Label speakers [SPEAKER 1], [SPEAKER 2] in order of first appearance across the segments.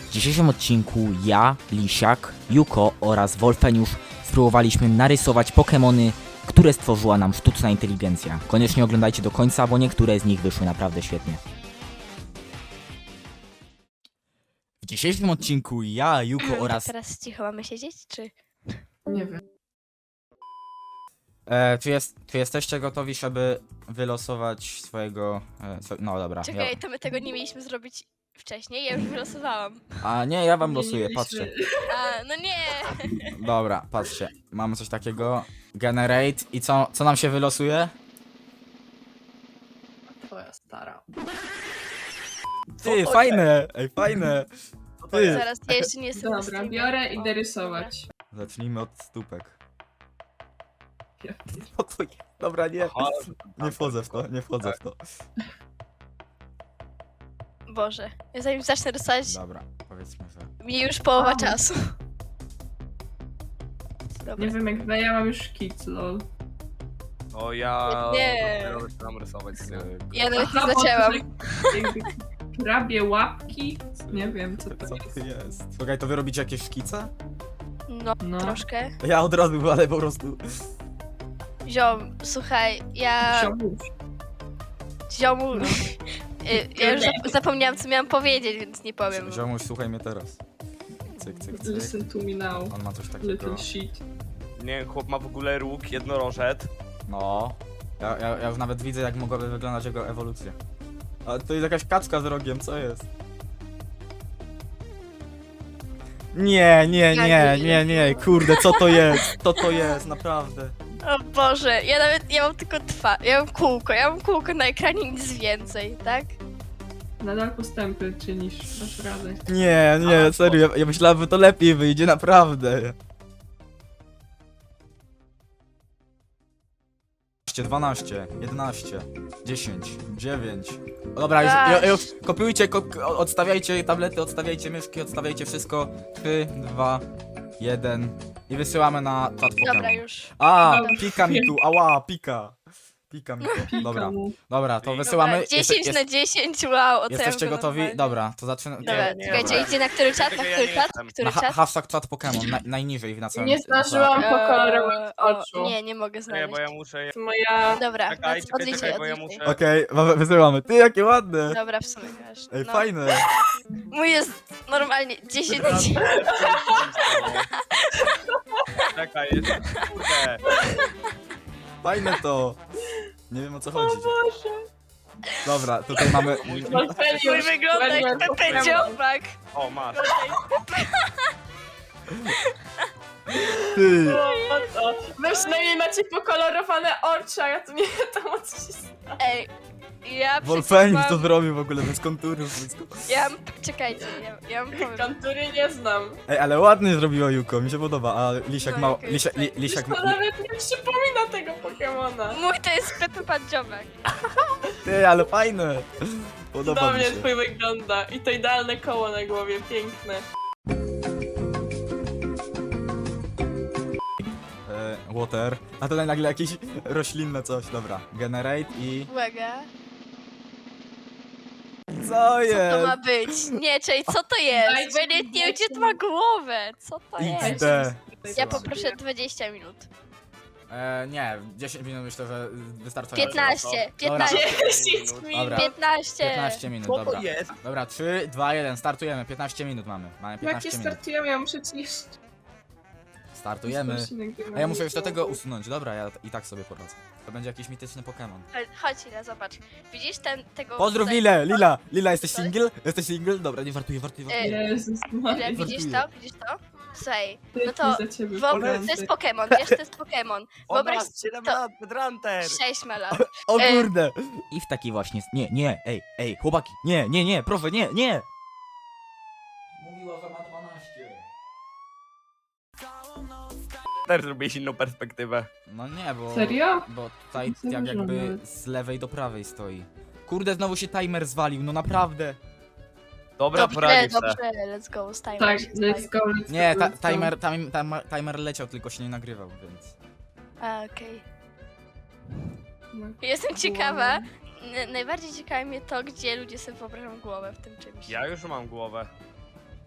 [SPEAKER 1] W dzisiejszym odcinku ja, Lisiak, Yuko oraz Wolfeniusz spróbowaliśmy narysować Pokemony, które stworzyła nam sztuczna inteligencja. Koniecznie oglądajcie do końca, bo niektóre z nich wyszły naprawdę świetnie. W dzisiejszym odcinku ja, Yuko oraz...
[SPEAKER 2] Teraz cicho mamy siedzieć, czy?
[SPEAKER 3] Nie wiem.
[SPEAKER 1] Czy jesteście gotowi, żeby wylosować swojego... no dobra.
[SPEAKER 2] Czekaj, to my tego nie mieliśmy zrobić wcześniej, ja już wylosowałam.
[SPEAKER 1] A nie, ja wam
[SPEAKER 3] Nie
[SPEAKER 1] losuję,
[SPEAKER 3] mieliśmy-
[SPEAKER 1] patrzcie.
[SPEAKER 2] A, no nie!
[SPEAKER 1] Dobra, patrzcie. Mamy coś takiego. Generate. I co nam się wylosuje?
[SPEAKER 3] Twoja stara.
[SPEAKER 1] Ty, fajne! Ej, fajne! Ty.
[SPEAKER 2] Zaraz, ja jeszcze nie jestem na
[SPEAKER 3] Dobra,
[SPEAKER 2] streamie.
[SPEAKER 3] biorę,
[SPEAKER 2] O,
[SPEAKER 3] idę rysować.
[SPEAKER 1] Zacznijmy od stópek.
[SPEAKER 3] Ja-
[SPEAKER 1] No to nie. Dobra, nie. Nie wchodzę w to, nie wchodzę w to.
[SPEAKER 2] Boże, ja zanim zacznę rysować,
[SPEAKER 1] Dobra, powiedzmy, że...
[SPEAKER 2] mi już połowa czasu. Dobra.
[SPEAKER 3] Nie wiem jak wy, ja mam już kit, lol.
[SPEAKER 4] O ja
[SPEAKER 2] Nie.
[SPEAKER 4] dopiero zaczynam rysować.
[SPEAKER 2] Ja nawet nie
[SPEAKER 3] Aha, bo
[SPEAKER 2] zaczęłam.
[SPEAKER 3] to jakby Krabie łapki? Nie wiem co to
[SPEAKER 1] Co
[SPEAKER 3] jest.
[SPEAKER 1] ty jest? Słuchaj, to wy robicie jakieś szkice?
[SPEAKER 2] No,
[SPEAKER 3] No.
[SPEAKER 2] troszkę.
[SPEAKER 1] Ja od razu, ale po prostu...
[SPEAKER 2] Ziom, słuchaj, ja...
[SPEAKER 3] Ziomuś.
[SPEAKER 2] Ziomu...
[SPEAKER 3] No.
[SPEAKER 2] Ja już zapomniałam, co miałam powiedzieć, więc nie powiem.
[SPEAKER 1] Ziomuś, słuchaj mnie teraz. Cyk, cyk, cyk.
[SPEAKER 3] Listen to me now,
[SPEAKER 1] On ma coś takiego.
[SPEAKER 3] little shit.
[SPEAKER 4] Nie, chłop ma w ogóle róg jednorożec.
[SPEAKER 1] No. Ja już nawet widzę, jak mogłaby wyglądać jego ewolucja. A to jest jakaś kaczka z rogiem, co jest? Nie, kurde, co to jest? Co to jest, naprawdę?
[SPEAKER 2] O Boże, ja mam tylko ja mam kółko na ekranie, nic więcej, tak?
[SPEAKER 3] Nadal postępy czynisz, dasz radę.
[SPEAKER 1] Nie, serio, ja myślałem, że to lepiej wyjdzie, naprawdę. 12, 11, 10, 9. O, dobra, już kopiujcie, odstawiajcie tablety, odstawiajcie myszki, odstawiajcie wszystko. 3, 2, 1 i wysyłamy na czat
[SPEAKER 2] Dobra,
[SPEAKER 1] Pokémon.
[SPEAKER 2] już.
[SPEAKER 1] A, pika mi tu, ała, pika. Pika mi tu.
[SPEAKER 3] Pika
[SPEAKER 1] Dobra,
[SPEAKER 3] mu.
[SPEAKER 1] dobra, to
[SPEAKER 4] Dobra,
[SPEAKER 1] wysyłamy.
[SPEAKER 2] 10 na 10, wow, oceniam
[SPEAKER 1] Jesteście
[SPEAKER 2] to
[SPEAKER 1] gotowi?
[SPEAKER 2] normalnie.
[SPEAKER 1] Dobra, to zaczynamy.
[SPEAKER 2] Dobra,
[SPEAKER 4] Nie,
[SPEAKER 2] czekajcie,
[SPEAKER 4] dobra.
[SPEAKER 2] idzie na który czat, na
[SPEAKER 4] Czekaj, ja
[SPEAKER 2] który
[SPEAKER 4] nie
[SPEAKER 2] czat,
[SPEAKER 4] jestem.
[SPEAKER 2] który
[SPEAKER 1] Na
[SPEAKER 2] czat?
[SPEAKER 1] hashtag czat Pokémon, najniżej na całym.
[SPEAKER 3] Nie zdążyłam
[SPEAKER 2] Eee,
[SPEAKER 3] pokolorować oczu.
[SPEAKER 2] Nie mogę
[SPEAKER 4] Nie,
[SPEAKER 2] znaleźć.
[SPEAKER 4] bo ja muszę...
[SPEAKER 3] Moja...
[SPEAKER 2] Dobra,
[SPEAKER 4] Czekaj,
[SPEAKER 2] odliczaj,
[SPEAKER 4] bo ja
[SPEAKER 2] odliczaj.
[SPEAKER 4] muszę...
[SPEAKER 1] Okej, wysyłamy. Ty, jakie ładne!
[SPEAKER 2] Dobra, w sumie wiesz.
[SPEAKER 1] Ej,
[SPEAKER 2] No.
[SPEAKER 1] fajne.
[SPEAKER 2] Mój jest normalnie 10 na 10.
[SPEAKER 4] Czekaj, jest... Kurde.
[SPEAKER 1] Fajne to. Nie wiem o co chodzi. Dobra, tutaj mamy.
[SPEAKER 2] Mój wygląda jak Pepe Dziobak.
[SPEAKER 4] O, masz.
[SPEAKER 1] Ty.
[SPEAKER 3] Wy przynajmniej macie pokolorowane oczy, a ja tu nie wiem o co się stało.
[SPEAKER 2] Ej, ja
[SPEAKER 1] Wolfenius
[SPEAKER 2] przecież
[SPEAKER 1] to
[SPEAKER 2] mam...
[SPEAKER 1] zrobił w ogóle bez konturów.
[SPEAKER 2] Ja mam... Czekajcie, ja mam powiem.
[SPEAKER 3] Kontury nie znam.
[SPEAKER 1] Ej, ale ładnie zrobiła Yuko, mi się podoba. A Lisiak
[SPEAKER 2] No,
[SPEAKER 1] ma.
[SPEAKER 2] Yuko jest fajny.
[SPEAKER 1] Lisiak
[SPEAKER 3] To nawet nie przypomina tego Pokemona.
[SPEAKER 2] Mój to jest Pepe Pan Dziobak.
[SPEAKER 1] Ty, ale fajne. Podoba mi
[SPEAKER 3] Cudownie
[SPEAKER 1] się.
[SPEAKER 3] twój wygląda. I to idealne koło na głowie, piękne.
[SPEAKER 1] Water. A tutaj nagle jakieś roślinne coś. Dobra. Generate i.
[SPEAKER 2] Uwaga.
[SPEAKER 1] Co
[SPEAKER 2] Co to
[SPEAKER 1] jest?
[SPEAKER 2] ma być? Nie, czekaj, co to jest? Bo ja nie wiem, gdzie to ma głowę. Co to jest?
[SPEAKER 1] XD.
[SPEAKER 2] Ja poproszę 20 minut.
[SPEAKER 1] Nie, 10 minut myślę, że wystarczająco.
[SPEAKER 2] 15,
[SPEAKER 1] Dobra.
[SPEAKER 2] 15,
[SPEAKER 3] 10 minut.
[SPEAKER 1] Dobra.
[SPEAKER 2] 15.
[SPEAKER 1] 15 minut,
[SPEAKER 4] Co
[SPEAKER 1] dobra.
[SPEAKER 4] to jest?
[SPEAKER 1] Dobra, 3, 2, 1, startujemy. 15 minut mamy. Mamy 15
[SPEAKER 3] Jakie
[SPEAKER 1] minut.
[SPEAKER 3] startujemy? Ja muszę ci jeszcze...
[SPEAKER 1] Startujemy. A ja muszę już do tego usunąć. Dobra, ja i tak sobie poradzę. To będzie jakiś mityczny Pokémon.
[SPEAKER 2] Chodź, Ila, zobacz. Widzisz tego...
[SPEAKER 1] Pozdrów
[SPEAKER 2] tutaj-
[SPEAKER 1] Lilę! Lila, jesteś single? Jesteś single? Dobra, nie wartuję.
[SPEAKER 3] Jezus
[SPEAKER 2] Ile,
[SPEAKER 3] Maria.
[SPEAKER 2] widzisz to? Widzisz to? Słuchaj, no
[SPEAKER 3] Dzięki
[SPEAKER 2] to
[SPEAKER 3] za ciebie,
[SPEAKER 2] wyobraź, to jest Pokémon, wiesz, to jest Pokémon.
[SPEAKER 4] O,
[SPEAKER 2] Wyobraź
[SPEAKER 4] masz 7
[SPEAKER 2] to-
[SPEAKER 4] lat, Bedrunter!
[SPEAKER 2] 6 ma lat.
[SPEAKER 1] O kurde! I w taki właśnie... Nie, ej, chłopaki, nie, proszę, nie! Mówiła, że ma 12.
[SPEAKER 4] Też zrobiłeś inną perspektywę.
[SPEAKER 1] No nie, bo...
[SPEAKER 3] Serio?
[SPEAKER 1] Bo tutaj
[SPEAKER 3] Nie
[SPEAKER 1] jak
[SPEAKER 3] zauważyłam
[SPEAKER 1] jakby
[SPEAKER 3] nawet.
[SPEAKER 1] z lewej do prawej stoi. Kurde, znowu się timer zwalił, no naprawdę.
[SPEAKER 4] Dobra,
[SPEAKER 2] Dobrze,
[SPEAKER 4] poradzisz se.
[SPEAKER 2] dobrze, let's go, stajmy
[SPEAKER 3] Tak,
[SPEAKER 2] się,
[SPEAKER 3] let's go, let's
[SPEAKER 1] Nie,
[SPEAKER 3] go, let's go.
[SPEAKER 1] timer leciał, tylko się nie nagrywał, więc...
[SPEAKER 2] A, okej.
[SPEAKER 3] No.
[SPEAKER 2] Jestem ciekawa, najbardziej ciekawi mnie to, gdzie ludzie sobie wyobrażają głowę w tym czymś.
[SPEAKER 4] Ja już mam głowę.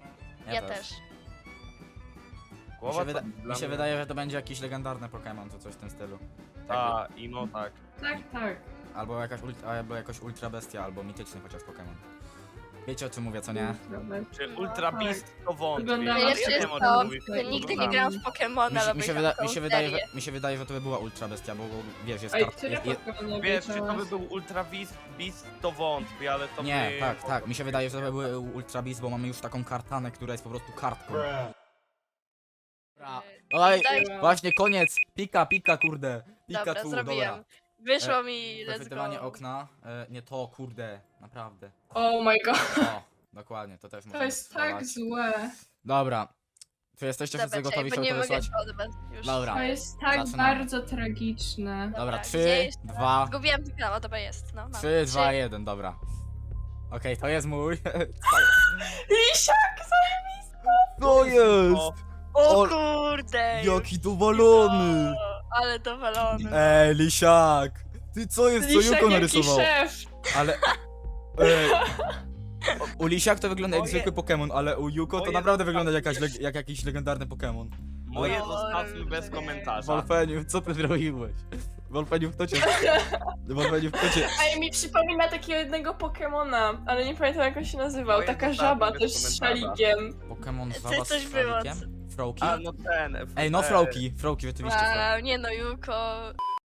[SPEAKER 2] Ja też.
[SPEAKER 4] Głowa to dla
[SPEAKER 1] Mi się
[SPEAKER 4] mnie-
[SPEAKER 1] wydaje, że to będzie jakiś legendarny Pokémon, czy coś w tym stylu.
[SPEAKER 4] Ta, imo tak.
[SPEAKER 3] Tak.
[SPEAKER 1] Albo jakaś ultra bestia, albo mityczny chociaż Pokémon. Wiecie o czym mówię, co nie?
[SPEAKER 4] Czy
[SPEAKER 2] No.
[SPEAKER 4] Ultra
[SPEAKER 3] Tak.
[SPEAKER 4] Beast to wątpię.
[SPEAKER 3] Wygląda
[SPEAKER 2] Ja
[SPEAKER 3] na
[SPEAKER 2] jeszcze
[SPEAKER 4] nie
[SPEAKER 2] jest
[SPEAKER 4] wiem, o
[SPEAKER 2] to,
[SPEAKER 4] czym mówisz.
[SPEAKER 2] że nigdy nie
[SPEAKER 3] No.
[SPEAKER 2] grałam w Pokemona, ale
[SPEAKER 1] mi się wydaje, że to by była ultra bestia, bo wiesz, jest
[SPEAKER 3] Ej,
[SPEAKER 1] kart...
[SPEAKER 3] tyle Pokémonów
[SPEAKER 4] Wiesz, czy to by
[SPEAKER 3] wiedziałaś?
[SPEAKER 4] był Ultra Beast to wątpię, ale to
[SPEAKER 1] Nie,
[SPEAKER 4] by...
[SPEAKER 1] tak, mi się wydaje, że to by były ultra beast, bo mamy już taką kartanę, która jest po prostu kartką. Dobra. Oj,
[SPEAKER 2] Daj-
[SPEAKER 1] właśnie koniec! Pika, kurde!
[SPEAKER 2] Dobra,
[SPEAKER 1] Pikachu,
[SPEAKER 2] zrobiłem.
[SPEAKER 1] dobra.
[SPEAKER 2] Wyszło mi, let's
[SPEAKER 1] Przechwytywanie
[SPEAKER 2] go.
[SPEAKER 1] okna. Nie to, kurde, naprawdę.
[SPEAKER 3] Oh my god,
[SPEAKER 1] O, dokładnie, to też
[SPEAKER 3] to
[SPEAKER 1] możemy
[SPEAKER 3] jest tak
[SPEAKER 1] spróbować.
[SPEAKER 3] złe.
[SPEAKER 1] Dobra. Czy jesteście wszyscy
[SPEAKER 2] Dobra,
[SPEAKER 1] gotowi,
[SPEAKER 2] bo
[SPEAKER 1] żeby
[SPEAKER 2] nie
[SPEAKER 1] to
[SPEAKER 2] mogę
[SPEAKER 1] wysłać?
[SPEAKER 2] odbyć już.
[SPEAKER 1] Dobra.
[SPEAKER 3] To jest tak
[SPEAKER 1] Zaczynamy.
[SPEAKER 3] bardzo tragiczne.
[SPEAKER 1] Dobra,
[SPEAKER 2] gdzie
[SPEAKER 1] 3,
[SPEAKER 2] jest?
[SPEAKER 1] 2,
[SPEAKER 2] Zgubiłem tylko, o dobra jest, no. mam.
[SPEAKER 1] 3, 2, 1, dobra. Okej, to jest mój.
[SPEAKER 3] Lisiak!
[SPEAKER 1] To jest!
[SPEAKER 2] O
[SPEAKER 1] O,
[SPEAKER 2] kurde!
[SPEAKER 1] Jaki dowalony!
[SPEAKER 2] Ale dowalony.
[SPEAKER 1] Ej, lisiak! Ty co jest, co
[SPEAKER 3] Lisiak
[SPEAKER 1] Juko
[SPEAKER 3] jaki
[SPEAKER 1] narysował?
[SPEAKER 3] szef!
[SPEAKER 1] Ale... Ej. U Lisiak to wygląda jak
[SPEAKER 4] Moje-
[SPEAKER 1] zwykły Pokémon, ale u Juko to
[SPEAKER 4] moje
[SPEAKER 1] naprawdę wygląda
[SPEAKER 4] zostawmy
[SPEAKER 1] jak jakiś legendarny Pokémon.
[SPEAKER 4] Moje
[SPEAKER 2] No,
[SPEAKER 4] zostawmy bez
[SPEAKER 2] nie.
[SPEAKER 4] komentarza.
[SPEAKER 1] Wolfeniów, co ty zrobiłeś? Wolfeniów, kto cię... Wolfeniów, kto cię...
[SPEAKER 3] Ej, mi przypomina takiego jednego Pokemona, ale nie pamiętam jak on się nazywał.
[SPEAKER 4] Moje
[SPEAKER 3] Taka
[SPEAKER 4] zostawmy
[SPEAKER 3] żaba
[SPEAKER 4] bez
[SPEAKER 3] też z
[SPEAKER 4] komentarza.
[SPEAKER 3] szalikiem.
[SPEAKER 1] Pokémon
[SPEAKER 2] Ty
[SPEAKER 1] żaba
[SPEAKER 2] coś
[SPEAKER 1] z
[SPEAKER 2] było,
[SPEAKER 1] szalikiem? Froki?
[SPEAKER 4] A, no ten.
[SPEAKER 1] Ej, no Froki, rzeczywiście. Froki.
[SPEAKER 2] A, nie no, Juko.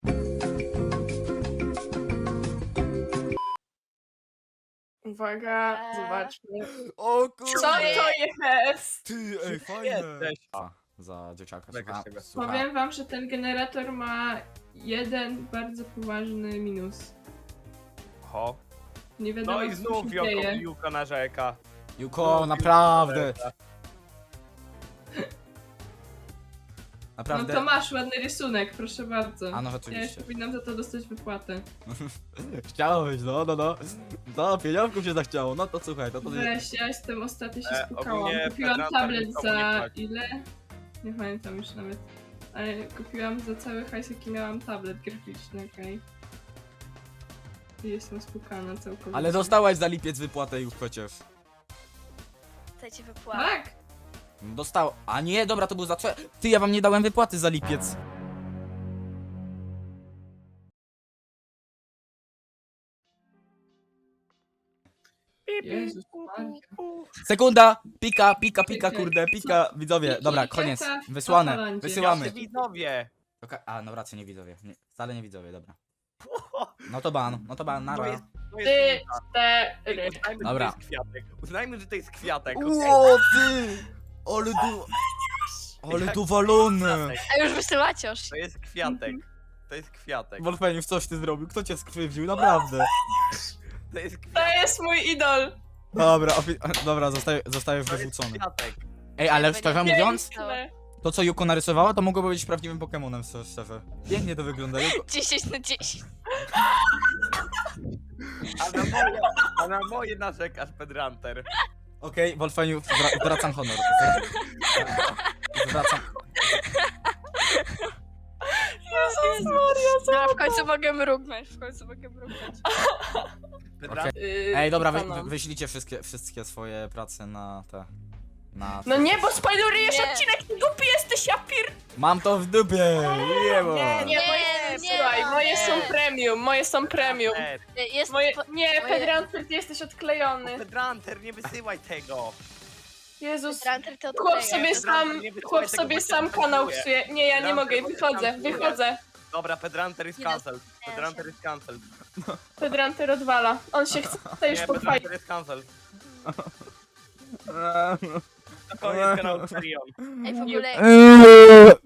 [SPEAKER 3] Uwaga, zobaczmy.
[SPEAKER 1] O kurde!
[SPEAKER 3] Co to jest?
[SPEAKER 1] Ty, ej, fajne!
[SPEAKER 4] Jesteś.
[SPEAKER 1] Za dzieciaka,
[SPEAKER 4] Czekaj,
[SPEAKER 1] słucha,
[SPEAKER 4] czekaj.
[SPEAKER 1] słucha.
[SPEAKER 3] Powiem wam, że ten generator ma jeden bardzo poważny minus.
[SPEAKER 4] Ho.
[SPEAKER 3] Nie wiadomo,
[SPEAKER 4] No i
[SPEAKER 3] co
[SPEAKER 4] znów
[SPEAKER 3] się dzieje.
[SPEAKER 4] Juko narzeka.
[SPEAKER 1] Juko, naprawdę!
[SPEAKER 3] No
[SPEAKER 1] Naprawdę.
[SPEAKER 3] to masz ładny rysunek, proszę bardzo.
[SPEAKER 1] A no
[SPEAKER 3] Ja już
[SPEAKER 1] rzeczywiście.
[SPEAKER 3] powinnam za to dostać wypłatę.
[SPEAKER 1] Chciałeś, no. No, pieniążków się zachciało, no to słuchaj, to...
[SPEAKER 3] Weź, ja jestem ostatnio się spukałam.
[SPEAKER 4] ogólnie
[SPEAKER 3] Kupiłam
[SPEAKER 4] Federacja
[SPEAKER 3] tablet
[SPEAKER 4] nikomu
[SPEAKER 3] za
[SPEAKER 4] nie płaci.
[SPEAKER 3] ile? Nie pamiętam już nawet. Ale kupiłam za cały hajs, jaki miałam tablet graficzny, okej. I jestem spukana całkowicie.
[SPEAKER 1] Ale dostałaś za lipiec wypłatę już przecież.
[SPEAKER 2] Chcę ci wypłatę.
[SPEAKER 3] Tak!
[SPEAKER 1] Dostał. A nie, dobra, to był za... Ty, ja wam nie dałem wypłaty za lipiec.
[SPEAKER 3] Jezus Maria.
[SPEAKER 1] Sekunda! Pika,
[SPEAKER 3] Czekaj,
[SPEAKER 1] kurde, pika. Widzowie,
[SPEAKER 3] Piki,
[SPEAKER 1] dobra,
[SPEAKER 3] jaka
[SPEAKER 1] koniec.
[SPEAKER 3] na
[SPEAKER 1] Wysłane,
[SPEAKER 3] Holandzie?
[SPEAKER 1] wysyłamy.
[SPEAKER 4] Jacy widzowie.
[SPEAKER 1] A, no raczej nie widzowie. Nie, wcale nie widzowie, dobra. No to ban,
[SPEAKER 4] To
[SPEAKER 1] nara.
[SPEAKER 4] jest, to
[SPEAKER 3] Ty,
[SPEAKER 4] jest
[SPEAKER 3] cztery.
[SPEAKER 4] Uznajmy,
[SPEAKER 1] Dobra.
[SPEAKER 4] że to jest kwiatek. Uznajmy, że to jest kwiatek.
[SPEAKER 1] Ło, ty! Ale du... Ale
[SPEAKER 4] Jak
[SPEAKER 1] dowalone!
[SPEAKER 4] kwiatek.
[SPEAKER 2] A już wysyłacie już.
[SPEAKER 4] To jest kwiatek. To jest kwiatek.
[SPEAKER 1] Wolfeniów, coś ty zrobił? Kto cię skrzywdził? Naprawdę.
[SPEAKER 4] To jest
[SPEAKER 3] To
[SPEAKER 4] kwiatek.
[SPEAKER 3] jest mój idol!
[SPEAKER 1] Dobra, dobra, zostajesz
[SPEAKER 4] To jest
[SPEAKER 1] wyrzucony.
[SPEAKER 4] kwiatek.
[SPEAKER 1] Ej, ale
[SPEAKER 2] Jakby
[SPEAKER 1] szczerze
[SPEAKER 2] nie-
[SPEAKER 1] mówiąc,
[SPEAKER 3] Piękne.
[SPEAKER 1] to co Juko narysowała, to mogłoby być prawdziwym Pokemonem, szczerze. Pięknie to wygląda, Juko.
[SPEAKER 2] 10 na 10.
[SPEAKER 4] A na moje narzekasz, Pedranter.
[SPEAKER 1] Okej, Wolfeniów, zwracam honor. Zwracam...
[SPEAKER 3] Jezus Maria,
[SPEAKER 2] No, w końcu mogę mrugnąć,
[SPEAKER 4] Pedranter.
[SPEAKER 1] Ej, dobra,
[SPEAKER 3] Panom.
[SPEAKER 1] wyślijcie wszystkie swoje prace na te...
[SPEAKER 3] No nie, bo spoilerujesz
[SPEAKER 2] Nie.
[SPEAKER 3] odcinek, ty głupi jesteś, ja pier...
[SPEAKER 1] Mam to w dupie! Jebo!
[SPEAKER 3] Nie,
[SPEAKER 2] Nie,
[SPEAKER 3] moje,
[SPEAKER 2] nie,
[SPEAKER 3] słuchaj, moje są
[SPEAKER 2] nie.
[SPEAKER 3] premium, moje są premium.
[SPEAKER 2] Jest
[SPEAKER 3] Moje...
[SPEAKER 2] po-
[SPEAKER 3] Nie,
[SPEAKER 2] moje-
[SPEAKER 3] Pedranter, ty jesteś odklejony.
[SPEAKER 4] Pedranter, nie wysyłaj tego.
[SPEAKER 3] Jezus.
[SPEAKER 2] Tranter to
[SPEAKER 3] Chłop
[SPEAKER 2] odkleja.
[SPEAKER 3] sobie sam,
[SPEAKER 4] nie wysyłaj
[SPEAKER 3] chłop
[SPEAKER 4] tego,
[SPEAKER 3] sobie
[SPEAKER 4] bo cię
[SPEAKER 3] sam kanał
[SPEAKER 4] zbankuję.
[SPEAKER 3] psuje. Nie, ja nie
[SPEAKER 4] Pedranter,
[SPEAKER 3] mogę,
[SPEAKER 4] bo cię
[SPEAKER 3] wychodzę,
[SPEAKER 4] zbankuję.
[SPEAKER 3] wychodzę.
[SPEAKER 4] Dobra, Pedranter jest
[SPEAKER 2] Nie
[SPEAKER 4] cancelled.
[SPEAKER 2] nie
[SPEAKER 4] Pedranter jest cancelled.
[SPEAKER 3] Pedranter odwala. On się chce już
[SPEAKER 4] Nie,
[SPEAKER 3] pochwalić.
[SPEAKER 4] Pedranter jest cancelled. To koniec kanału Serion.
[SPEAKER 2] Ej, w ogóle